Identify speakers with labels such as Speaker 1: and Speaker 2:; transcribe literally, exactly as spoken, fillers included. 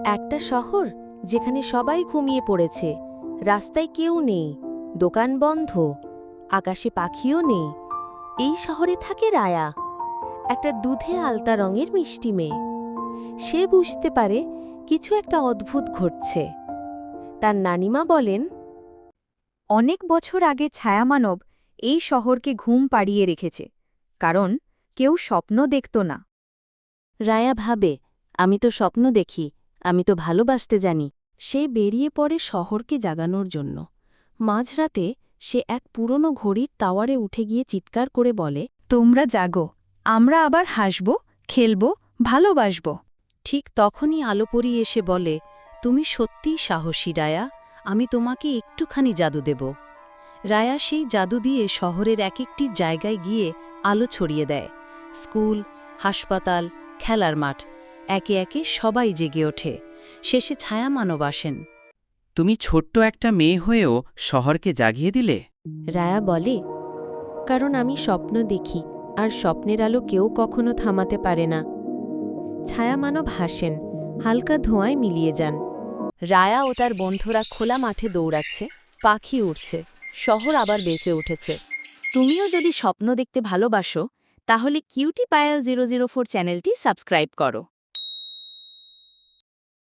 Speaker 1: একটা শহর যেখানে সবাই ঘুমিয়ে পড়েছে, রাস্তায় কেউ নেই, দোকান বন্ধ, আকাশে পাখিও নেই। এই শহরে থাকে রায়া, একটা দুধে আলতা রঙের মিষ্টি মেয়ে। সে বুঝতে পারে কিছু একটা অদ্ভুত ঘটছে। তার নানিমা বলেন,
Speaker 2: অনেক বছর আগে ছায়ামানব এই শহরকে ঘুম পাড়িয়ে রেখেছে, কারণ কেউ স্বপ্ন দেখত না।
Speaker 1: রায়া ভাবে, আমি তো স্বপ্ন দেখি, আমি তো ভালোবাসতে জানি। সে বেরিয়ে পড়ে শহরকে জাগানোর জন্য। মাঝরাতে সে এক পুরনো ঘড়ির টাওয়ারে উঠে গিয়ে চিৎকার করে বলে,
Speaker 2: তোমরা জাগো, আমরা আবার হাসব, খেলব, ভালোবাসব।
Speaker 1: ঠিক তখনই আলোপরি এসে বলে, তুমি সত্যিই সাহসী রায়া, আমি তোমাকে একটুখানি জাদু দেব। রায়া সেই জাদু দিয়ে শহরের এক একটি জায়গায় গিয়ে আলো ছড়িয়ে দেয়। স্কুল, হাসপাতাল, খেলার মাঠ, একে একে সবাই জেগে ওঠে। শেষে ছায়ামানব আসেন।
Speaker 3: তুমি ছোট্ট একটা মেয়ে হয়েও শহরকে জাগিয়ে দিলে।
Speaker 1: রায়া বলে, কারণ আমি স্বপ্ন দেখি, আর স্বপ্নের আলো কেউ কখনো থামাতে পারে না। ছায়ামানব হাসেন, হালকা ধোঁয়ায় মিলিয়ে যান। রায়া ও তার বন্ধুরা খোলা মাঠে দৌড়াচ্ছে, পাখি উড়ছে, শহর আবার বেঁচে উঠেছে। তুমিও যদি স্বপ্ন দেখতে ভালোবাসো, তাহলে cutie Payel zero zero four চ্যানেলটি সাবস্ক্রাইব করো।